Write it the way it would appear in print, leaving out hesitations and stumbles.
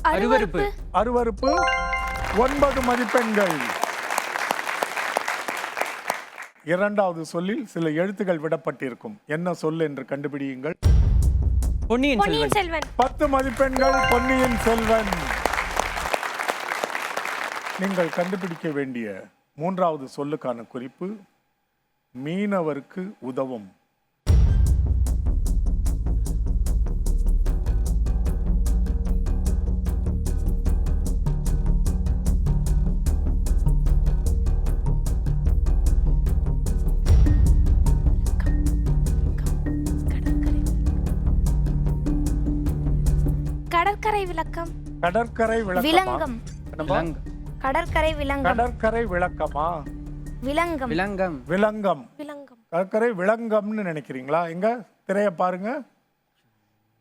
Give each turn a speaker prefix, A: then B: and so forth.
A: அருவருப்பு.
B: அருவருப்பு 9 மதிப்பெண்கள். இரண்டாவது சொல்லில் சில எழுத்துக்கள் விடப்பட்டிருக்கும். என்ன சொல் என்று கண்டுபிடியுங்கள்.
A: பொன்னியின் செல்வன்.
B: 10 மதிப்பெண்கள் பொன்னியின் செல்வன். நீங்கள் கண்டுபிடிக்க வேண்டிய மூன்றாவது சொல்லுக்கான குறிப்பு மீனவருக்கு உதவும்.
C: கடற்கரை விளக்கம்.
B: கடற்கரை
C: விளங்கம். கடற்கரை விளங்கம்.
B: கடற்கரை விளக்கமா?
C: விளங்கம்.
A: விலங்கம்.
B: விளங்கம்.
C: விளங்கம்.
B: கடற்கரை விளங்கம்னு நினைக்கிறீங்களா? எங்க திரைய பாருங்க.